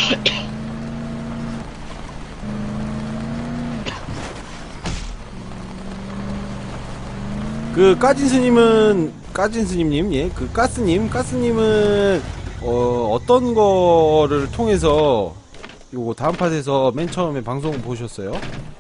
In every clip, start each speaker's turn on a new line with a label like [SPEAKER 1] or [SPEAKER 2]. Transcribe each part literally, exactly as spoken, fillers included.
[SPEAKER 1] 그 까진 스님은 까진 스님님, 예, 그 가스님, 가스님은 어 어떤 거를 통해서 요거 다음 팟에서 맨 처음에 방송 보셨어요?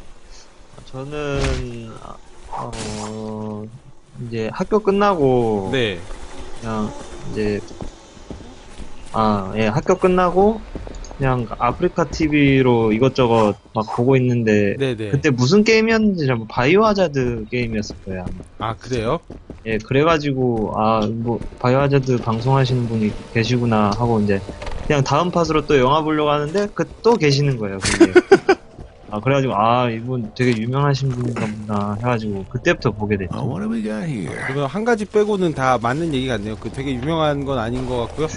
[SPEAKER 2] 저는 어 이제 학교 끝나고
[SPEAKER 1] 네.
[SPEAKER 2] 그냥 이제 아, 예, 학교 끝나고 그냥 아프리카 티비로 이것저것 막 보고 있는데
[SPEAKER 1] 네네.
[SPEAKER 2] 그때 무슨 게임이었는지 잘 바이오 하자드 게임이었을 거예요. 아마.
[SPEAKER 1] 아 그래요?
[SPEAKER 2] 예, 그래가지고 아, 뭐 바이오 하자드 방송하시는 분이 계시구나 하고 이제 그냥 다음 팟으로 또 영화 보려고 하는데 그 또 계시는 거예요. 그게. 아, 그래가지고 아, 이분 되게 유명하신 분인가 보다 해가지고 그때부터 보게 됐죠.
[SPEAKER 3] Oh, what do we got here?
[SPEAKER 1] 그러면 한 가지 빼고는 다 맞는 얘기 같네요. 그 되게 유명한 건 아닌 것 같고요.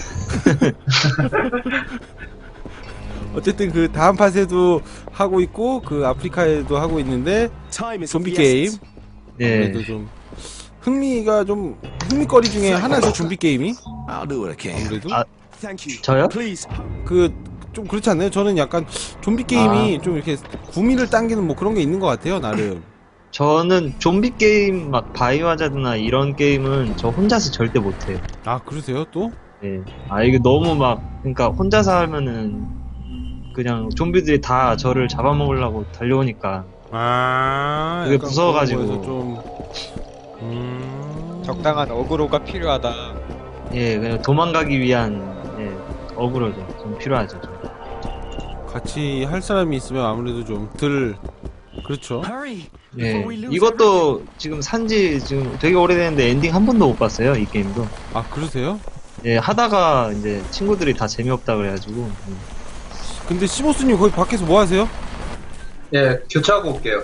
[SPEAKER 1] 어쨌든 그 다음 팟에도 하고 있고 그 아프리카에도 하고 있는데 좀비 게임.
[SPEAKER 2] 네.
[SPEAKER 1] 그래도 좀 흥미가 좀 흥미거리 중에 하나죠. 좀비 게임이.
[SPEAKER 3] I'll do what I can.
[SPEAKER 1] 아무래도
[SPEAKER 2] 아, 저요?
[SPEAKER 1] 그 좀 그렇지 않나요? 저는 약간 좀비 게임이
[SPEAKER 2] 아.
[SPEAKER 1] 좀 이렇게 구미를 당기는 뭐 그런 게 있는 것 같아요. 나름.
[SPEAKER 2] 저는 좀비 게임 막 바이오 하자드나 이런 게임은 저 혼자서 절대 못해요.
[SPEAKER 1] 아 그러세요 또?
[SPEAKER 2] 예. 아, 이게 너무 막, 그러니까 혼자서 하면은 그냥 좀비들이 다 저를 잡아먹으려고 달려오니까.
[SPEAKER 1] 아
[SPEAKER 2] 그게
[SPEAKER 1] 약간
[SPEAKER 2] 무서워가지고.
[SPEAKER 1] 그런 거에서 좀 음...
[SPEAKER 4] 적당한 어그로가 필요하다.
[SPEAKER 2] 예, 그냥 도망가기 위한, 예, 어그로죠. 좀 필요하죠. 좀.
[SPEAKER 1] 같이 할 사람이 있으면 아무래도 좀 덜 그렇죠.
[SPEAKER 2] 예. 이것도 지금 산지 지금 되게 오래됐는데 엔딩 한 번도 못 봤어요, 이 게임도.
[SPEAKER 1] 아 그러세요?
[SPEAKER 2] 예, 하다가 이제 친구들이 다 재미없다 그래가지고. 음.
[SPEAKER 1] 근데 시모스님 거기 밖에서 뭐 하세요?
[SPEAKER 5] 예, 교체하고 올게요.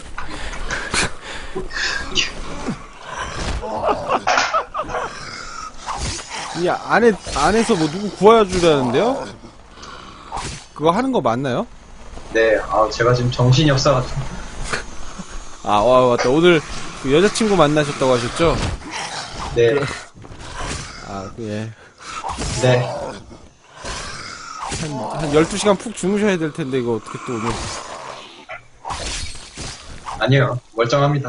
[SPEAKER 1] 이 안에 안에서 뭐 누구 구해주라는데요? 그거 하는 거 맞나요?
[SPEAKER 5] 네, 아, 제가 지금 정신이 없어가지고.
[SPEAKER 1] 아 와, 맞다. 오늘 그 여자친구 만나셨다고 하셨죠?
[SPEAKER 5] 네,
[SPEAKER 1] 아 예.
[SPEAKER 5] 네.
[SPEAKER 1] 한, 한 열두 시간 푹 주무셔야 될 텐데 이거 어떻게 또 오늘
[SPEAKER 5] 아니요, 멀쩡합니다.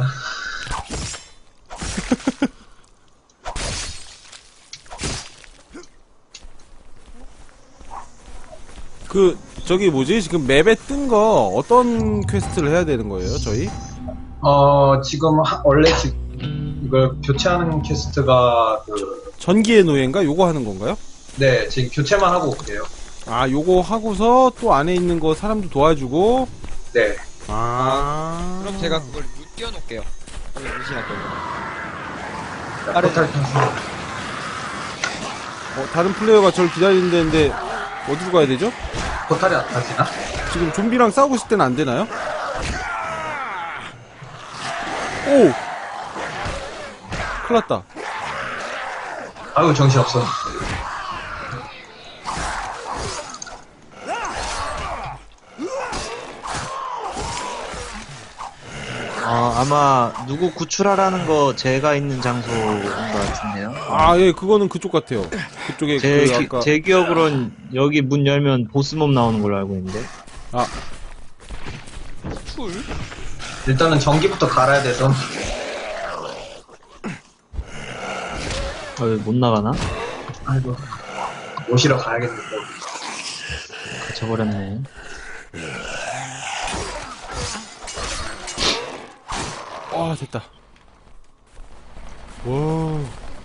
[SPEAKER 1] 그 저기 뭐지? 지금 맵에 뜬 거 어떤 퀘스트를 해야 되는 거예요, 저희?
[SPEAKER 5] 어, 지금, 하- 원래 지금, 이걸 교체하는 퀘스트가, 그,
[SPEAKER 1] 전기의 노예인가? 요거 하는 건가요?
[SPEAKER 5] 네, 지금 교체만 하고 올게요.
[SPEAKER 1] 아 요거 하고서 또 안에 있는 거 사람도 도와주고
[SPEAKER 5] 네.
[SPEAKER 1] 아
[SPEAKER 4] 그럼 제가 그걸 루 띄워놓을게요. 원래 무시할게요.
[SPEAKER 5] 자,
[SPEAKER 4] 빠르-
[SPEAKER 5] 포탈 탔어.
[SPEAKER 1] 어, 다른 플레이어가 저를 기다리는데 어디로 가야 되죠?
[SPEAKER 5] 포탈이 안 타지나?
[SPEAKER 1] 지금 좀비랑 싸우고 있을 때는 안 되나요? 오! 큰일 났다.
[SPEAKER 5] 아유, 정신없어.
[SPEAKER 2] 아, 아마 누구 구출하라는 거 제가 있는 장소인 것 같은데요.
[SPEAKER 1] 아, 예, 그거는 그쪽 같아요. 그쪽에
[SPEAKER 2] 제,
[SPEAKER 1] 그
[SPEAKER 2] 기-
[SPEAKER 1] 아까
[SPEAKER 2] 제 기억으론 여기 문 열면 보스몹 나오는 걸로 알고 있는데.
[SPEAKER 1] 아,
[SPEAKER 4] 툴?
[SPEAKER 5] 일단은 전기부터 갈아야 돼서.
[SPEAKER 2] 아, 왜 못 나가나?
[SPEAKER 5] 아이고. 모시러 가야겠는데.
[SPEAKER 2] 갇혀버렸네.
[SPEAKER 1] 와, 됐다. 와.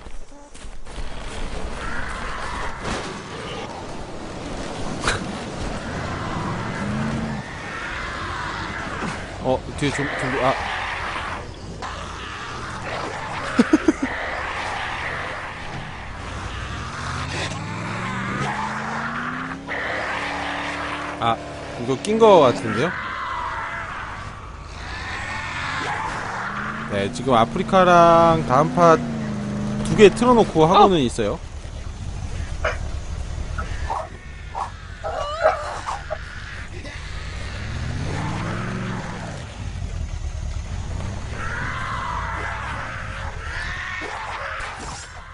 [SPEAKER 1] 어, 뒤에 좀, 좀, 아. 아, 이거 낀 거 같은데요? 네, 지금 아프리카랑 다음 팟 두 개 틀어놓고 하고는 있어요.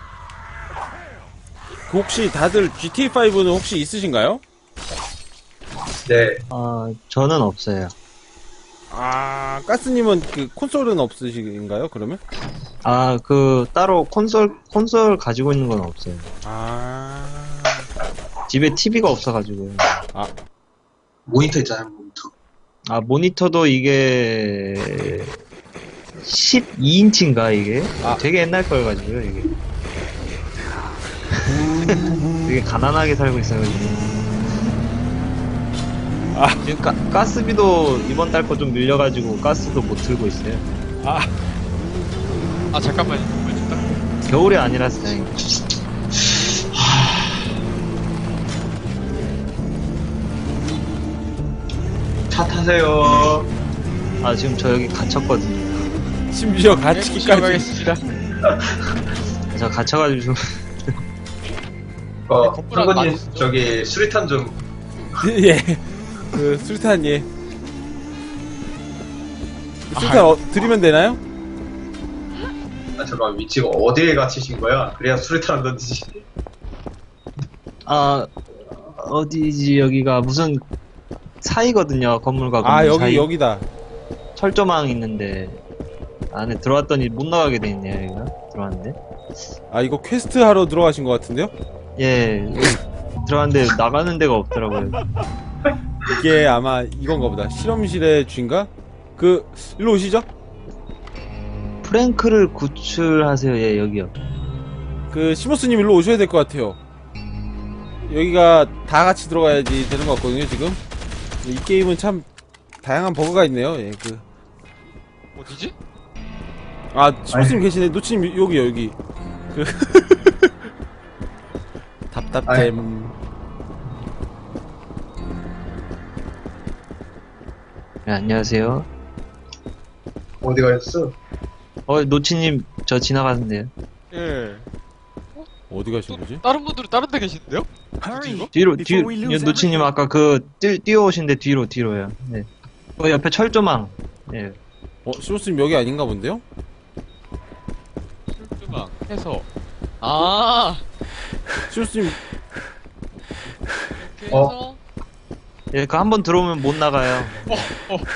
[SPEAKER 1] 그 혹시 다들 지티에이 파이브는 혹시 있으신가요?
[SPEAKER 5] 네.
[SPEAKER 2] 아, 저는 없어요.
[SPEAKER 1] 아, 가스님은 그 콘솔은 없으신가요, 그러면?
[SPEAKER 2] 아, 그, 따로 콘솔, 콘솔 가지고 있는 건 없어요.
[SPEAKER 1] 아,
[SPEAKER 2] 집에 티비가 없어가지고요.
[SPEAKER 5] 모니터 있잖아요, 모니터.
[SPEAKER 2] 아, 모니터도 이게, 십이 인치인가, 이게?
[SPEAKER 1] 아.
[SPEAKER 2] 되게 옛날 거여가지고요, 이게. 되게 가난하게 살고 있어가지고.
[SPEAKER 1] 아.
[SPEAKER 2] 지금 가, 가스비도 이번 달 거 좀 밀려가지고 가스도 못 틀고 있어요.
[SPEAKER 1] 아,
[SPEAKER 4] 아 잠깐만요. 이걸 좀 딱-
[SPEAKER 2] 겨울이 아니라서 다행이에요.
[SPEAKER 5] 차 타세요.
[SPEAKER 2] 아, 지금 저 여기 갇혔거든요.
[SPEAKER 1] 심지어
[SPEAKER 4] 네,
[SPEAKER 1] 갇히기까지.
[SPEAKER 4] 시작하겠습니다.
[SPEAKER 2] 저 갇혀가지고 좀.
[SPEAKER 5] 어,
[SPEAKER 4] 건물 안
[SPEAKER 5] 상건님,
[SPEAKER 4] 맞으시죠?
[SPEAKER 5] 저기, 수리탄 좀,
[SPEAKER 1] 예. 그, 술탄, 예. 술탄 어, 드리면 되나요?
[SPEAKER 5] 아, 잠깐, 위치가 어디에 갇히신 거야? 그래야 수리탄 던지지.
[SPEAKER 2] 아, 어디지, 여기가 무슨 사이거든요, 건물과 건물
[SPEAKER 1] 아, 여기,
[SPEAKER 2] 사이.
[SPEAKER 1] 여기다.
[SPEAKER 2] 철조망 있는데, 안에 들어왔더니 못 나가게 돼 있네요, 여기가. 들어왔는데.
[SPEAKER 1] 아, 이거 퀘스트 하러 들어가신 것 같은데요?
[SPEAKER 2] 예, 여기 들어왔는데 나가는 데가 없더라고요.
[SPEAKER 1] 이게 아마 이건가 보다. 실험실의 주인가? 그, 일로 오시죠?
[SPEAKER 2] 프랭크를 구출하세요, 예, 여기요.
[SPEAKER 1] 그, 시모스님 일로 오셔야 될 것 같아요. 여기가 다 같이 들어가야지 되는 것 같거든요, 지금. 이 게임은 참, 다양한 버그가 있네요, 예, 그.
[SPEAKER 4] 어디지?
[SPEAKER 1] 아, 시모스님 계시네. 노치님, 여기요, 여기. 그. 답답잼.
[SPEAKER 2] 네, 안녕하세요.
[SPEAKER 5] 어디 가셨어?
[SPEAKER 2] 어, 노치님, 저 지나가는데요.
[SPEAKER 4] 예.
[SPEAKER 1] 어디 가신 거지?
[SPEAKER 4] 다른 분들은 다른 데 계신데요? 뭐지 이거?
[SPEAKER 2] 뒤로, 뒤, 노치님 아까 그, 뛰, 뛰어오신데 뒤로, 뒤로요. 네. 어, 옆에 철조망. 예.
[SPEAKER 1] 어, 시모스님 여기 아닌가 본데요?
[SPEAKER 4] 술주방 해서 아
[SPEAKER 1] 시모스님,
[SPEAKER 4] 이렇게
[SPEAKER 5] 어.
[SPEAKER 4] 해서
[SPEAKER 2] 예, 그 한 번 들어오면 못 나가요.
[SPEAKER 4] 어, 어.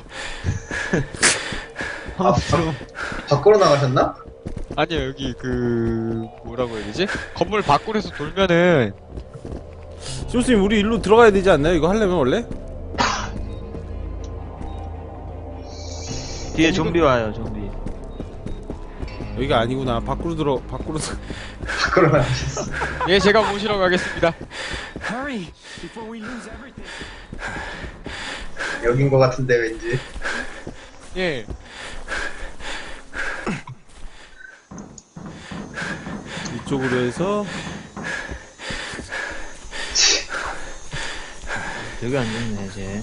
[SPEAKER 5] 아, 바, 밖으로 나가셨나?
[SPEAKER 4] 아니요 여기 그 뭐라고 해야 되지? 건물 밖으로서 돌면은
[SPEAKER 1] 시모스님 우리 일로 들어가야 되지 않나요? 이거 하려면 원래?
[SPEAKER 2] 뒤에 좀비 와요, 좀비.
[SPEAKER 1] 여기가 아니구나. 밖으로 들어, 밖으로. 들-
[SPEAKER 5] 밖으로 나가셨어.
[SPEAKER 4] 예 제가 모시러 가겠습니다.
[SPEAKER 5] 여긴 거 같은데, 왠지.
[SPEAKER 4] 예.
[SPEAKER 1] 이쪽으로 해서.
[SPEAKER 2] 여기 앉았네, 이제.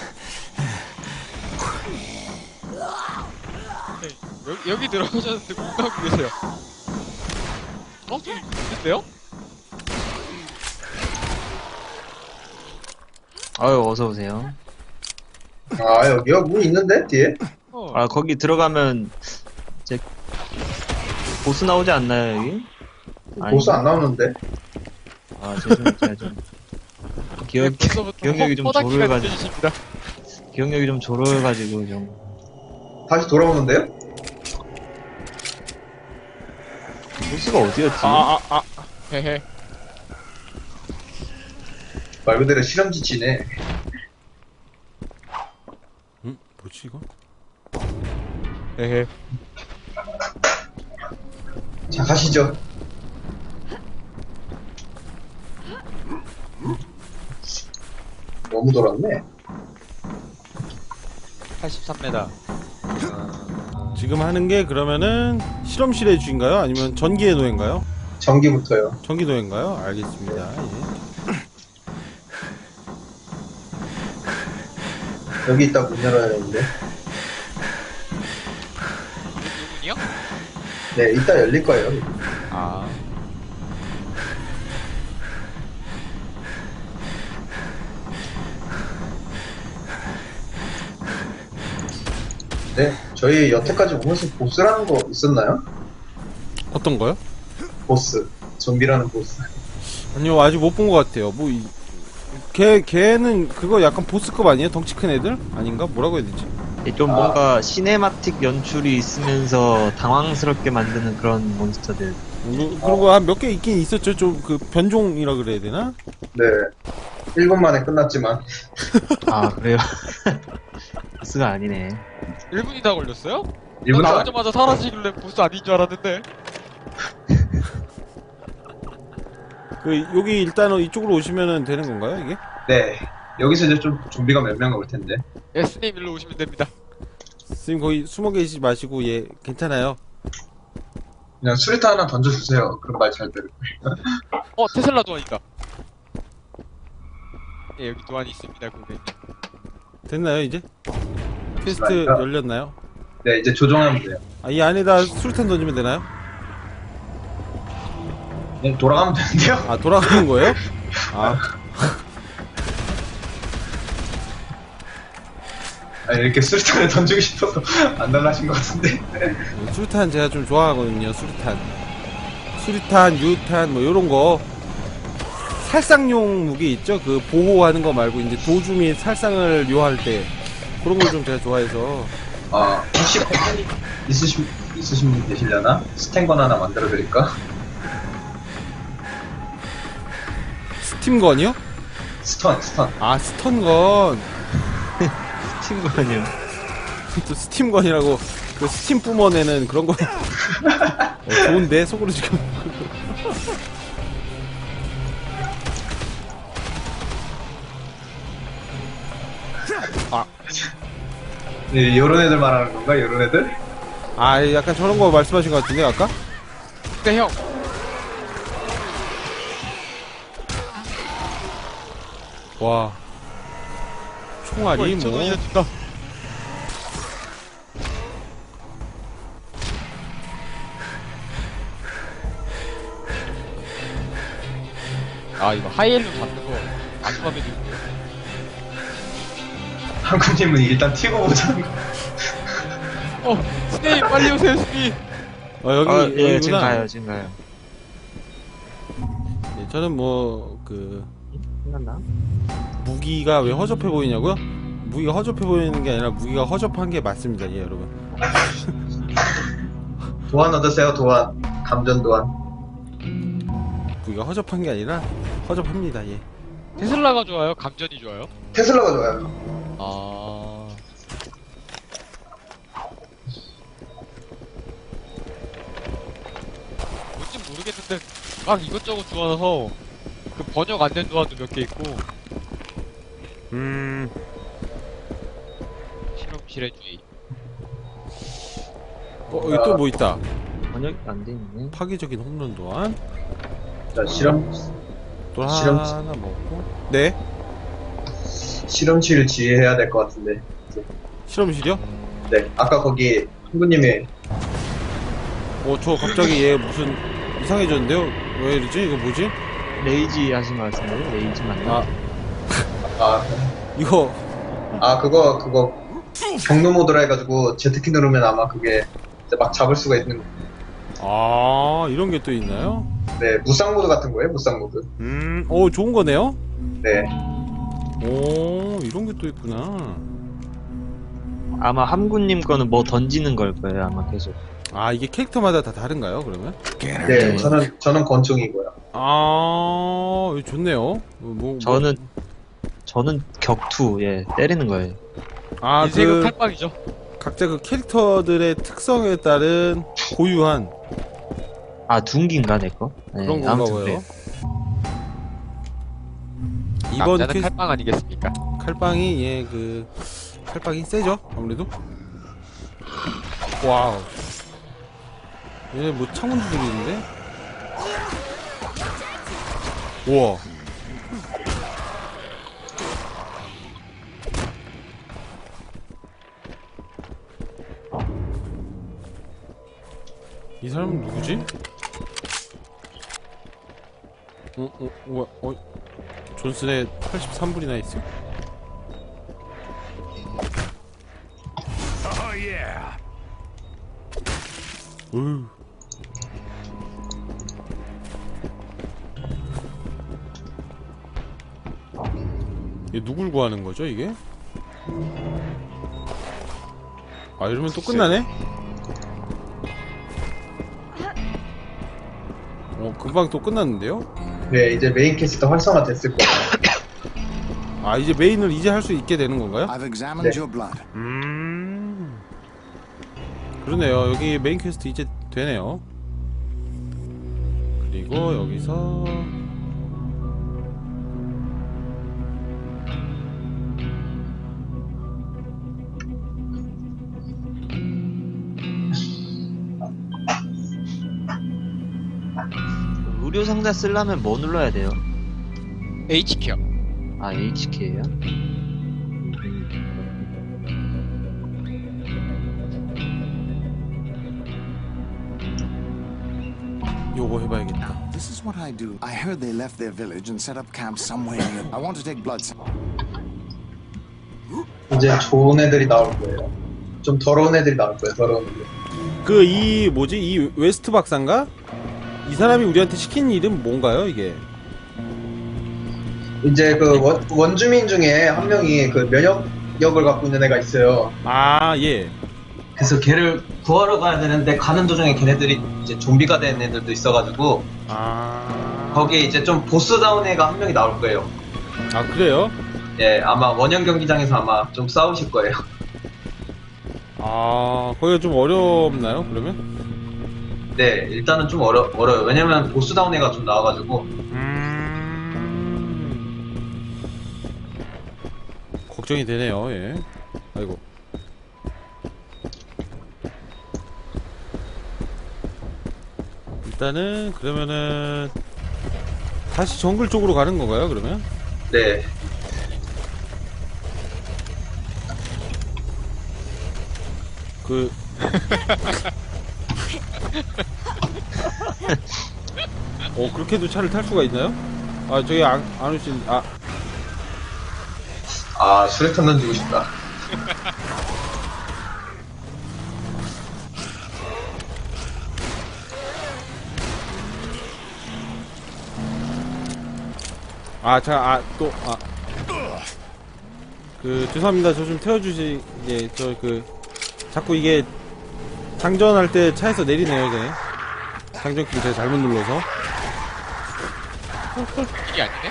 [SPEAKER 4] 여기, 여기 들어가셨는데 못 가고 계세요. 어? 좀 있는데요?
[SPEAKER 2] 아유, 어서오세요.
[SPEAKER 5] 아, 여기요? 문 있는데? 뒤에?
[SPEAKER 4] 어.
[SPEAKER 2] 아, 거기 들어가면, 이제, 보스 나오지 않나요, 여기?
[SPEAKER 5] 보스 안 나오는데?
[SPEAKER 2] 아, 죄송해요, 제가 좀. 기억,
[SPEAKER 4] 네, 벌써부터
[SPEAKER 2] 기억력이 좀
[SPEAKER 4] 허다키가
[SPEAKER 2] 조르가지고,
[SPEAKER 4] 느껴지십니다.
[SPEAKER 2] 기억력이 좀 조르가지고, 좀.
[SPEAKER 5] 다시 돌아오는데요?
[SPEAKER 2] 보스가 어디였지?
[SPEAKER 4] 아, 아, 아. 헤헤.
[SPEAKER 5] 말 그대로 실험지치네.
[SPEAKER 1] 응? 뭐지, 이거?
[SPEAKER 4] 헤헤.
[SPEAKER 5] 자, 가시죠. 너무 돌았네.
[SPEAKER 4] 팔십삼 미터.
[SPEAKER 1] 지금 하는 게 그러면은 실험실의 주인가요? 아니면 전기의 노예인가요?
[SPEAKER 5] 전기부터요.
[SPEAKER 1] 전기 노예인가요? 알겠습니다. 예.
[SPEAKER 5] 여기 있다 문 열어야 되는데.
[SPEAKER 4] 누군이요?
[SPEAKER 5] 네, 이따 열릴 거예요.
[SPEAKER 4] 아.
[SPEAKER 5] 네, 저희 여태까지 오면서 보스라는 거 있었나요?
[SPEAKER 1] 어떤 거요?
[SPEAKER 5] 보스. 좀비라는 보스.
[SPEAKER 1] 아니요, 아직 못 본 것 같아요. 뭐, 이, 걔, 걔는 그거 약간 보스급 아니에요? 덩치 큰 애들? 아닌가? 뭐라고 해야 되지?
[SPEAKER 2] 좀
[SPEAKER 5] 아.
[SPEAKER 2] 뭔가 시네마틱 연출이 있으면서 당황스럽게 만드는 그런 몬스터들.
[SPEAKER 1] 뭐, 그런 거 한 몇 개 있긴 있었죠. 좀 그 변종이라 그래야 되나?
[SPEAKER 5] 네. 일 분 만에 끝났지만.
[SPEAKER 2] 아, 그래요? 보스가 아니네.
[SPEAKER 4] 일 분이 다 걸렸어요?
[SPEAKER 5] 일 분
[SPEAKER 4] 나
[SPEAKER 5] 도
[SPEAKER 4] 나오자마자 사라지길래 보스 아닌 줄 알았는데.
[SPEAKER 1] 그, 여기 일단은 이쪽으로 오시면은 되는 건가요, 이게?
[SPEAKER 5] 네. 여기서 이제 좀 좀비가 몇 명 올 텐데.
[SPEAKER 4] 에스님 일로 오시면 됩니다.
[SPEAKER 1] 선생님 거기 숨어 계시지 마시고, 예, 괜찮아요.
[SPEAKER 5] 그냥 수리타 하나 던져주세요. 그럼 말 잘 들을 거예요.
[SPEAKER 4] 어, 테슬라 도안 있다. 예, 여기 도안이 있습니다, 고객님.
[SPEAKER 1] 됐나요, 이제? 퀘스트
[SPEAKER 5] 잠시만요.
[SPEAKER 1] 열렸나요?
[SPEAKER 5] 네, 이제 조종하면 돼요.
[SPEAKER 1] 아, 이 안에다 수류탄 던지면 되나요?
[SPEAKER 5] 네, 돌아가면 되는데요?
[SPEAKER 1] 아, 돌아가는 거예요? 아,
[SPEAKER 5] 아, 이렇게 수리탄을 던지고 싶어서 안 달라신 것 같은데.
[SPEAKER 1] 수류탄 제가 좀 좋아하거든요, 수류탄. 수류탄, 유탄, 뭐, 요런 거. 살상용 무기 있죠? 그, 보호하는 거 말고, 이제 도주 및 살상을 요할 때. 그런 걸 좀 제가 좋아해서.
[SPEAKER 5] 아, 혹시 패턴이 있으신, 있으신 분 계시려나? 스탠건 하나 만들어 드릴까?
[SPEAKER 1] 스팀건이요?
[SPEAKER 5] 스턴, 스턴.
[SPEAKER 1] 아, 스턴건.
[SPEAKER 2] 친구 아니요.
[SPEAKER 1] 또 스팀건이라고, 그 스팀 뿜어내는 그런 거. 어, 좋은데? 속으로 지금.
[SPEAKER 5] 네, 요런 애들 말하는 건가? 요런 애들?
[SPEAKER 1] 아, 약간 저런 거 말씀하신 것 같은데, 아까?
[SPEAKER 4] 네, 형.
[SPEAKER 1] 와. 총알이 뭐.
[SPEAKER 4] 저도 이어진다. 아, 이거 하이엘로 잡는 거, 안 하면 되는데.
[SPEAKER 5] 한국님은 일단 튀고 보자는 거.
[SPEAKER 4] 어, 스네이 빨리 오세요, 스네이.
[SPEAKER 1] 어, 여기,
[SPEAKER 2] 아,
[SPEAKER 1] 여기구나.
[SPEAKER 2] 예, 지금 가요, 지금 가요.
[SPEAKER 1] 예, 저는 뭐, 그,
[SPEAKER 2] 끝났나?
[SPEAKER 1] 무기가 왜 허접해 보이냐고요? 무기가 허접해 보이는 게 아니라 무기가 허접한 게 맞습니다, 예, 여러분.
[SPEAKER 5] 도안 얻으세요, 도안. 감전 도안.
[SPEAKER 1] 무기가 허접한 게 아니라 허접합니다, 예.
[SPEAKER 4] 테슬라가 좋아요? 감전이 좋아요?
[SPEAKER 5] 테슬라가 좋아요.
[SPEAKER 4] 아. 뭔지 모르겠는데, 막 이것저것 좋아서, 그 번역 안 된 도안도 몇 개 있고,
[SPEAKER 1] 음,
[SPEAKER 4] 실험실의 주의.
[SPEAKER 1] 어, 여기 또 뭐 있다.
[SPEAKER 2] 번역이 안 돼 있네.
[SPEAKER 1] 파괴적인 홈런 도안.
[SPEAKER 5] 자, 실험,
[SPEAKER 1] 또
[SPEAKER 5] 실험-
[SPEAKER 1] 하나 먹고. 네?
[SPEAKER 5] 실험실 지휘해야 될 것 같은데.
[SPEAKER 1] 실험실이요?
[SPEAKER 5] 네, 아까 거기 한국님이
[SPEAKER 1] 어, 저 갑자기 얘 무슨 이상해졌는데요? 왜 이러지? 이거 뭐지?
[SPEAKER 2] 레이지 하신 것 같은데? 레이지 맞나?
[SPEAKER 1] 아,
[SPEAKER 5] 아,
[SPEAKER 1] 이거,
[SPEAKER 5] 아 그거 그거 경로 모드라 해가지고 Z키 누르면 아마 그게 이제 막 잡을 수가 있는.
[SPEAKER 1] 아, 이런 게 또 있나요?
[SPEAKER 5] 네, 무쌍 모드 같은 거예요, 무쌍 모드.
[SPEAKER 1] 음, 어, 좋은 거네요?
[SPEAKER 5] 네,
[SPEAKER 1] 오, 이런 게 또 있구나.
[SPEAKER 2] 아마 함구님 거는 뭐 던지는 걸 거예요, 아마 계속.
[SPEAKER 1] 아, 이게 캐릭터마다 다 다른가요, 그러면?
[SPEAKER 3] Scanner
[SPEAKER 5] 네,
[SPEAKER 3] delivered.
[SPEAKER 5] 저는 저는 권총이고요.
[SPEAKER 1] 아, 이거 좋네요. 뭐, 뭐,
[SPEAKER 2] 저는, 저는 격투, 예, 때리는 거예요.
[SPEAKER 1] 아,
[SPEAKER 4] 인생은
[SPEAKER 1] 그,
[SPEAKER 4] 칼빵이죠.
[SPEAKER 1] 각자 그 캐릭터들의 특성에 따른 고유한
[SPEAKER 2] 아, 둔기인가, 내 거? 네,
[SPEAKER 1] 그런 건가
[SPEAKER 2] 아무튼
[SPEAKER 1] 봐요.
[SPEAKER 2] 그래요.
[SPEAKER 1] 이번
[SPEAKER 4] 남자는
[SPEAKER 1] 퀘
[SPEAKER 4] 칼빵 아니겠습니까?
[SPEAKER 1] 칼빵이, 예, 그, 칼빵이 세죠? 아무래도? 와우. 얘 뭐 창문들이 있는데? 우와. 이 사람은 누구지? 어, 어, 뭐야, 어, 존슨의 팔십삼 불이나 있어?
[SPEAKER 3] Oh, yeah.
[SPEAKER 1] 어휴. 얘 누굴 구하는 거죠 이게? 아 이러면 또 끝나네? 어 금방 또 끝났는데요?
[SPEAKER 5] 네, 이제 메인 캐스터 활성화 됐을 거예요.
[SPEAKER 1] 아 이제 메인을 이제 할 수 있게 되는 건가요?
[SPEAKER 3] I've examined
[SPEAKER 5] 네.
[SPEAKER 3] your blood.
[SPEAKER 1] 음 그러네요. 여기 메인 퀘스트 이제 되네요. 그리고 여기서
[SPEAKER 2] 의료 상자 쓰려면 뭐 눌러야 돼요?
[SPEAKER 4] H키요.
[SPEAKER 2] 아 에이치케이요?
[SPEAKER 1] 요거 해봐야겠다.
[SPEAKER 3] Now, this is what I do. I heard they left their village and set up camp somewhere near. I want to take blood samples.
[SPEAKER 5] 이제 좋은 애들이 나올 거예요. 좀 더러운 애들이 나올 거예요, 더러운 애들.
[SPEAKER 1] 그 이 뭐지 이 웨스트 박사인가? 이 사람이 우리한테 시킨 일은 뭔가요 이게?
[SPEAKER 5] 이제 그 원, 원주민 중에 한 명이 그 면역력을 갖고 있는 애가 있어요.
[SPEAKER 1] 아 예.
[SPEAKER 6] 그래서 걔를 구하러 가야 되는데 가는 도중에 걔네들이 이제 좀비가 된 애들도 있어가지고
[SPEAKER 1] 아.
[SPEAKER 6] 거기에 이제 좀 보스다운 애가 한 명이 나올 거예요.
[SPEAKER 1] 아 그래요?
[SPEAKER 6] 예, 아마 원형 경기장에서 아마 좀 싸우실 거예요.
[SPEAKER 1] 아 거기가 좀 어렵나요 그러면?
[SPEAKER 6] 네, 일단은 좀 어려, 어려워요. 왜냐면 보스다운 애가 좀 나와가지고.
[SPEAKER 1] 음... 걱정이 되네요. 예. 아이고. 일단은 그러면은 다시 정글 쪽으로 가는 건가요? 그러면?
[SPEAKER 6] 네.
[SPEAKER 1] 그 어 그렇게도 차를 탈 수가 있나요? 아 저기 안, 안 오신 아
[SPEAKER 6] 아, 수류탄 던지고 싶다.
[SPEAKER 1] 아, 자, 아, 또, 아. 그, 죄송합니다. 저 좀 태워주시, 예, 저, 그, 자꾸 이게, 장전할 때 차에서 내리네요, 이제. 장전키를 제가 잘못 눌러서.
[SPEAKER 4] 이게 아니네?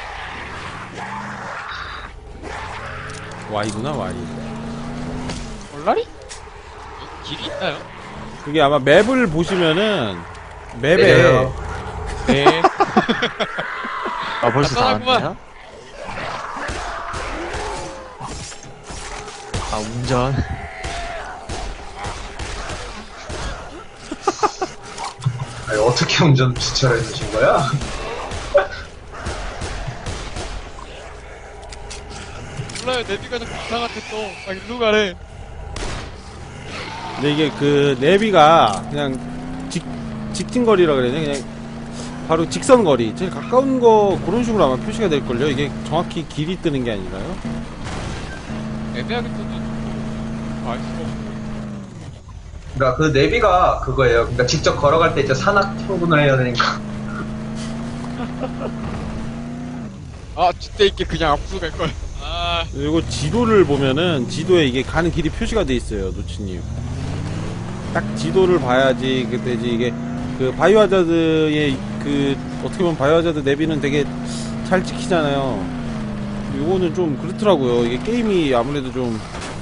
[SPEAKER 1] Y구나, Y.
[SPEAKER 4] 얼라리? 여기 길이 있나요?
[SPEAKER 1] 그게 아마 맵을 보시면은, 맵에,
[SPEAKER 6] 네.
[SPEAKER 4] 네.
[SPEAKER 2] 아 벌써 다
[SPEAKER 4] 간단하구만.
[SPEAKER 2] 왔나요? 아 운전
[SPEAKER 5] 아니, 어떻게 운전 주차를 해주신 거야?
[SPEAKER 4] 몰라요. 내비가 자꾸 이상한데 또. 아, 일로 가래.
[SPEAKER 1] 근데 이게 그, 내비가 그냥, 직, 직진거리라 그래야 되나? 그냥, 바로 직선거리. 제일 가까운 거, 그런 식으로 아마 표시가 될걸요? 이게 정확히 길이 뜨는 게 아니라요?
[SPEAKER 4] 애매하게 떴는데. 알 수가 없어.
[SPEAKER 6] 그러니까 그 내비가 그거예요. 그러니까 직접 걸어갈 때 이제 산악 통근을 해야 되니까.
[SPEAKER 4] 아, 뒷대 있게 그냥 앞으로 갈걸. 아,
[SPEAKER 1] 그리고 지도를 보면은 지도에 이게 가는 길이 표시가 돼 있어요, 노치님. 딱 지도를 봐야지 그때지 이게 그 바이오하자드의 그 어떻게 보면 바이오하자드 내비는 되게 잘 찍히잖아요. 요거는 좀 그렇더라고요. 이게 게임이 아무래도 좀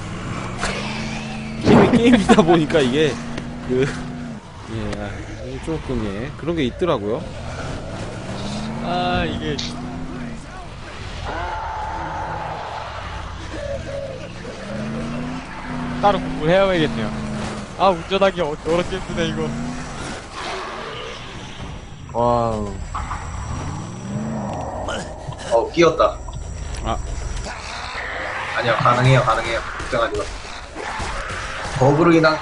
[SPEAKER 1] 게임이 게임이다 보니까 이게 그 예, 아, 조금 예 그런 게 있더라고요.
[SPEAKER 4] 아, 이게. 따로 공부를 해야겠네요. 아, 운전하기 어, 어렵게 힘드네, 이거.
[SPEAKER 2] 와우
[SPEAKER 6] 어, 끼었다.
[SPEAKER 1] 아.
[SPEAKER 6] 아니요, 가능해요, 가능해요. 걱정하지 마. 버그로 인한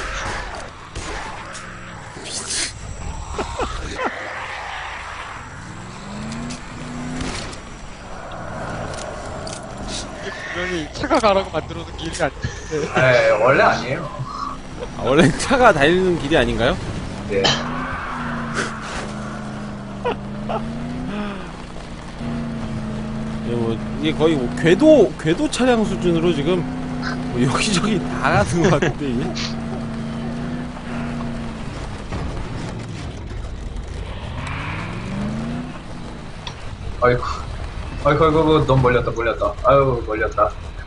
[SPEAKER 4] 이게 분명히 차가 가라고 만들어놓은 길이 아닌데.
[SPEAKER 6] 에 원래 아니에요.
[SPEAKER 1] 아, 원래 차가 달리는 길이 아닌가요?
[SPEAKER 6] 네.
[SPEAKER 1] 예, 뭐 이게 거의 뭐 궤도 궤도 차량 수준으로 지금 뭐 여기저기 다 가는 것 같은데 이게.
[SPEAKER 6] 아이고, 아이고, 아이고, 아이고, 너무 멀렸다, 멀렸다. 아유, 멀렸다.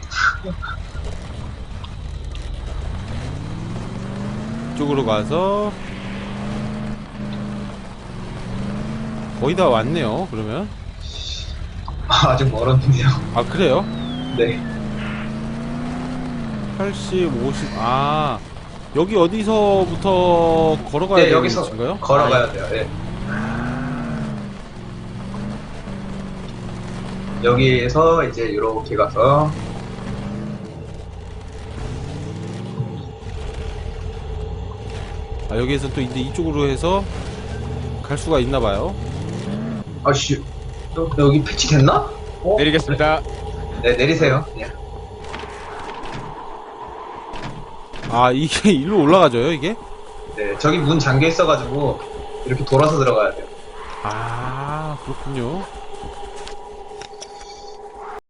[SPEAKER 1] 이쪽으로 가서 거의 다 왔네요. 그러면
[SPEAKER 6] 아, 아직 멀었는데요.
[SPEAKER 1] 아 그래요?
[SPEAKER 6] 네.
[SPEAKER 1] 팔십, 오십. 아 여기 어디서부터 걸어가야
[SPEAKER 6] 네,
[SPEAKER 1] 되는
[SPEAKER 6] 여기서
[SPEAKER 1] 곳인가요?
[SPEAKER 6] 걸어가야 돼요. 네. 여기에서 이제 이렇게 가서
[SPEAKER 1] 아 여기에서 또 이제 이쪽으로 해서 갈 수가 있나 봐요.
[SPEAKER 6] 아씨, 또 여기 패치 됐나? 어?
[SPEAKER 4] 내리겠습니다.
[SPEAKER 6] 네, 내리세요. 그냥.
[SPEAKER 1] 아 이게 일로 올라가져요 이게?
[SPEAKER 6] 네, 저기 문 잠겨 있어가지고 이렇게 돌아서 들어가야 돼요.
[SPEAKER 1] 아 그렇군요.